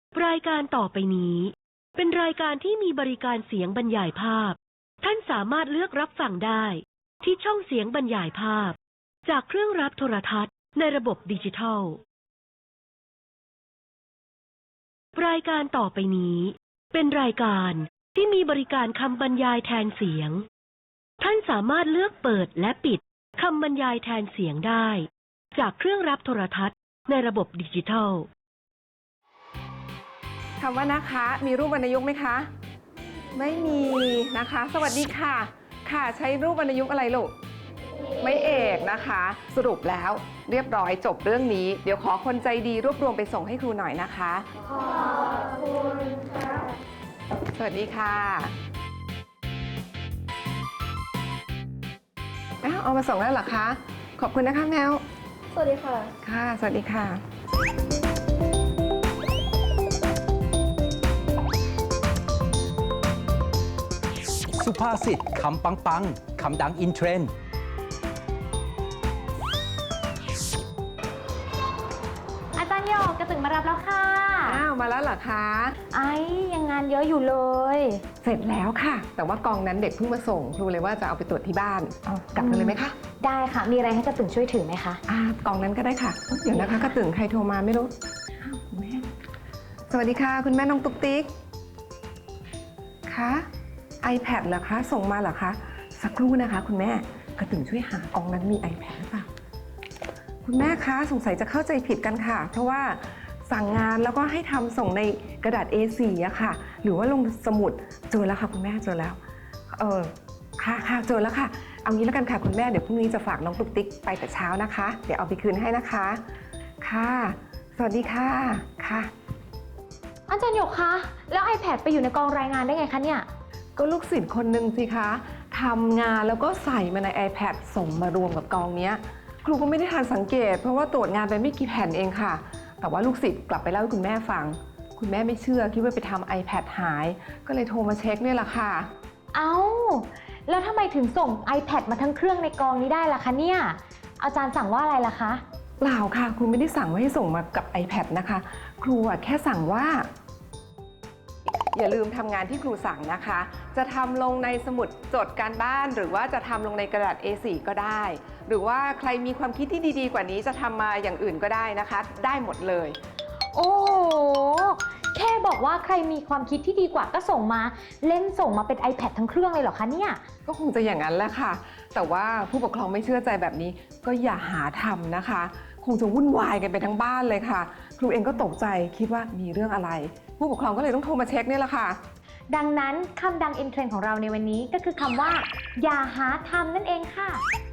รายการต่อไปนี้เป็นรายการที่มีบริการเสียงบรรยายภาพท่านสามารถเลือกรับฟังได้ที่ช่องเสียงบรรยายภาพจากเครื่องรับโทรทัศน์ในระบบดิจิทัลรายการต่อไปนี้เป็นรายการที่มีบริการคำบรรยายแทนเสียงท่านสามารถเลือกเปิดและปิดคำบรรยายแทนเสียงได้จากเครื่องรับโทรทัศน์ในระบบดิจิทัลคำว่านะคะมีรูปวรรณยุกต์ไหมคะไม่มีนะคะสวัสดีค่ะค่ะใช้รูปวรรณยุกต์อะไรลูกไม่เอกนะคะสรุปแล้วเรียบร้อยจบเรื่องนี้เดี๋ยวขอคนใจดีรวบรวมไปส่งให้ครูหน่อยนะคะขอบคุณค่ะสวัสดีค่ะเอามาส่งแล้วเหรอคะขอบคุณนะคะแมวสวัสดีค่ะค่ะสวัสดีค่ะสุภาษิตคำปังๆคำดังอินเทรนด์อาจารย์โยกกระตึงมารับแล้วค่ะมาแล้วเหรอคะยังงานเยอะอยู่เลยเสร็จแล้วค่ะแต่ว่ากองนั้นเด็กเพิ่งมาส่งครูเลยว่าจะเอาไปตรวจที่บ้านกลับกันเลยไหมคะได้ค่ะมีอะไรให้กระตึงช่วยถือไหมคะกองนั้นก็ได้ค่ะเดี๋ยวนะคะกระตึงใครโทรมาไม่รู้แม่สวัสดีค่ะคุณแม่น้องตุ๊กติ๊กคะiPad เหรอคะส่งมาเหรอคะสักครู่นะคะคุณแม่กระตึงช่วยหากองนั้นมี iPad หรือเปล่าคุณแม่คะสงสัยจะเข้าใจผิดกันค่ะเพราะว่าสั่งงานแล้วก็ให้ทำส่งในกระดาษ A4 อะค่ะหรือว่าลงสมุดเจอแล้วค่ะคุณแม่เจอแล้วค่ะเจอแล้วค่ะเอางี้แล้วกันค่ะคุณแม่เดี๋ยวพรุ่งนี้จะฝากน้องตุ๊กติ๊กไปแต่เช้านะคะเดี๋ยวเอาไปคืนให้นะคะค่ะสวัสดีค่ะค่ะอาจารย์โยกคะแล้ว iPad ไปอยู่ในกองรายงานได้ไงคะเนี่ยก็ลูกศิษย์คนหนึ่งสิคะทำงานแล้วก็ใส่มาใน iPad ส่งมารวมกับกองนี้ครูก็ไม่ได้ทันสังเกตเพราะว่าตรวจงานไปไม่กี่แผ่นเองค่ะแต่ว่าลูกศิษย์กลับไปเล่าให้คุณแม่ฟังคุณแม่ไม่เชื่อคิดว่าไปทำ iPad หายก็เลยโทรมาเช็คเนี่ยแหละค่ะแล้วทำไมถึงส่ง iPad มาทั้งเครื่องในกองนี้ได้ล่ะคะเนี่ยอาจารย์สั่งว่าอะไรล่ะคะเปล่าค่ะครูไม่ได้สั่งว่าให้ส่งมากับ iPad นะคะครูแค่สั่งว่าอย่าลืมทำงานที่ครูสั่งนะคะจะทำลงในสมุดจดการบ้านหรือว่าจะทำลงในกระดาษ A4 ก็ได้หรือว่าใครมีความคิดที่ดีๆกว่านี้จะทำมาอย่างอื่นก็ได้นะคะได้หมดเลยโอ้โหแค่บอกว่าใครมีความคิดที่ดีกว่าก็ส่งมาเล่นส่งมาเป็น iPad ทั้งเครื่องเลยเหรอคะเนี่ยก็คงจะอย่างนั้นแหละค่ะแต่ว่าผู้ปกครองไม่เชื่อใจแบบนี้ก็อย่าหาทำนะคะคงจะวุ่นวายกันไปทั้งบ้านเลยค่ะครูเองก็ตกใจคิดว่ามีเรื่องอะไรผู้ปกครองก็เลยต้องโทรมาเช็คนี่แหละค่ะดังนั้นคำดังอินเทรนด์ของเราในวันนี้ก็คือคำว่าอย่าหาทำนั่นเองค่ะ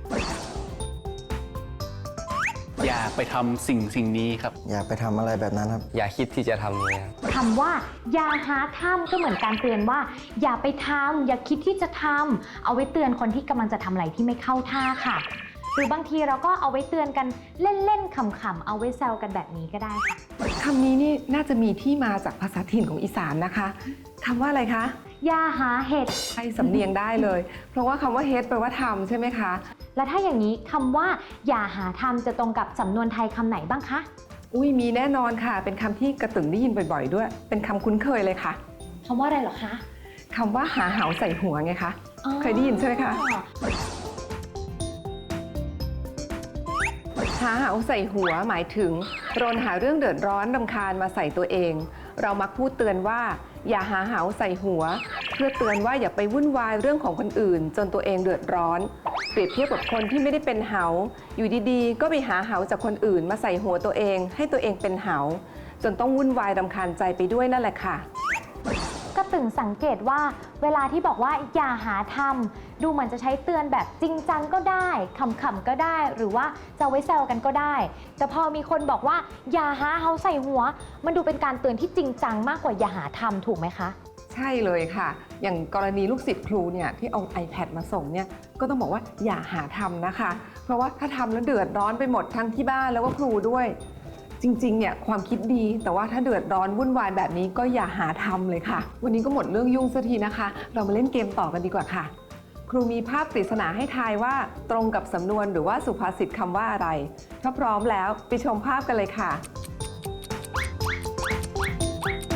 อย่าไปทำสิ่งนี้ครับอย่าไปทำอะไรแบบนั้นครับอย่าคิดที่จะทำเลยคำว่าอย่าหาทำก็เหมือนการเตือนว่าอย่าไปทำอย่าคิดที่จะทำเอาไว้เตือนคนที่กำลังจะทำอะไรที่ไม่เข้าท่าค่ะหรือบางทีเราก็เอาไว้เตือนกันเล่นๆขำๆเอาไว้แซวกันแบบนี้ก็ได้ค่ะคำนี้นี่น่าจะมีที่มาจากภาษาถิ่นของอีสานนะคะคำว่าอะไรคะอย่าหาเห็ดใช่สำเนียงได้เลยเพราะว่าคำว่าเฮ็ดแปลว่าทำใช่ไหมคะแล้วถ้าอย่างนี้คำว่าอย่าหาทำจะตรงกับสำนวนไทยคำไหนบ้างคะมีแน่นอนค่ะเป็นคำที่กระตึงได้ยินบ่อยๆด้วยเป็นคำคุ้นเคยเลยค่ะคำว่าอะไรเหรอคะคำว่าหาเหาใส่หัวไงคะเคยได้ยินใช่ไหมคะหาเหาใส่หัวหมายถึงรนหาเรื่องเดือดร้อนรำคาญมาใส่ตัวเองเรามักพูดเตือนว่าอย่าหาเหาใส่หัวเพื่อเตือนว่าอย่าไปวุ่นวายเรื่องของคนอื่นจนตัวเองเดือดร้อนเปรียบเทียบกับคนที่ไม่ได้เป็นเหาอยู่ดีๆก็ไปหาเหาจากคนอื่นมาใส่หัวตัวเองให้ตัวเองเป็นเหาจนต้องวุ่นวายรำคาญใจไปด้วยนั่นแหละค่ะก็ตึงสังเกตว่าเวลาที่บอกว่าอย่าหาทำดูเหมือนจะใช้เตือนแบบจริงจังก็ได้ขำๆก็ได้หรือว่าจะไว้แซวกันก็ได้แต่พอมีคนบอกว่าอย่าหาเหาใส่หัวมันดูเป็นการเตือนที่จริงจังมากกว่าอย่าหาทำถูกไหมคะใช่เลยค่ะอย่างกรณีลูกศิษย์ครูเนี่ยที่เอา iPad มาส่งเนี่ยก็ต้องบอกว่าอย่าหาทำนะคะเพราะว่าถ้าทำแล้วเดือดร้อนไปหมดทั้งที่บ้านแล้วก็ครูด้วยจริงๆเนี่ยความคิดดีแต่ว่าถ้าเดือดร้อนวุ่นวายแบบนี้ก็อย่าหาทำเลยค่ะวันนี้ก็หมดเรื่องยุ่งสักทีนะคะเรามาเล่นเกมต่อกันดีกว่าค่ะครูมีภาพปริศนาให้ทายว่าตรงกับสำนวนหรือว่าสุภาษิตคำว่าอะไรถ้าพร้อมแล้วไปชมภาพกันเลยค่ะ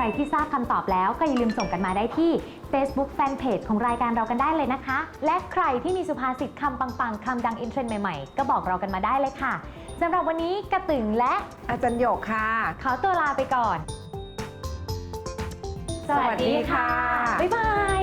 รที่ทราบคำตอบแล้วก็อย่าลืมส่งกันมาได้ที่ Facebook Fanpage ของรายการเรากันได้เลยนะคะ และใครที่มีสุภาษิตคำปังๆคำดังอินเทรนด์ใหม่ๆก็บอกเรากันมาได้เลยค่ะสำหรับวันนี้กระตึงและอาจารย์หยกค่ะขอตัวลาไปก่อนสวัสดีค่ะบ๊ายบาย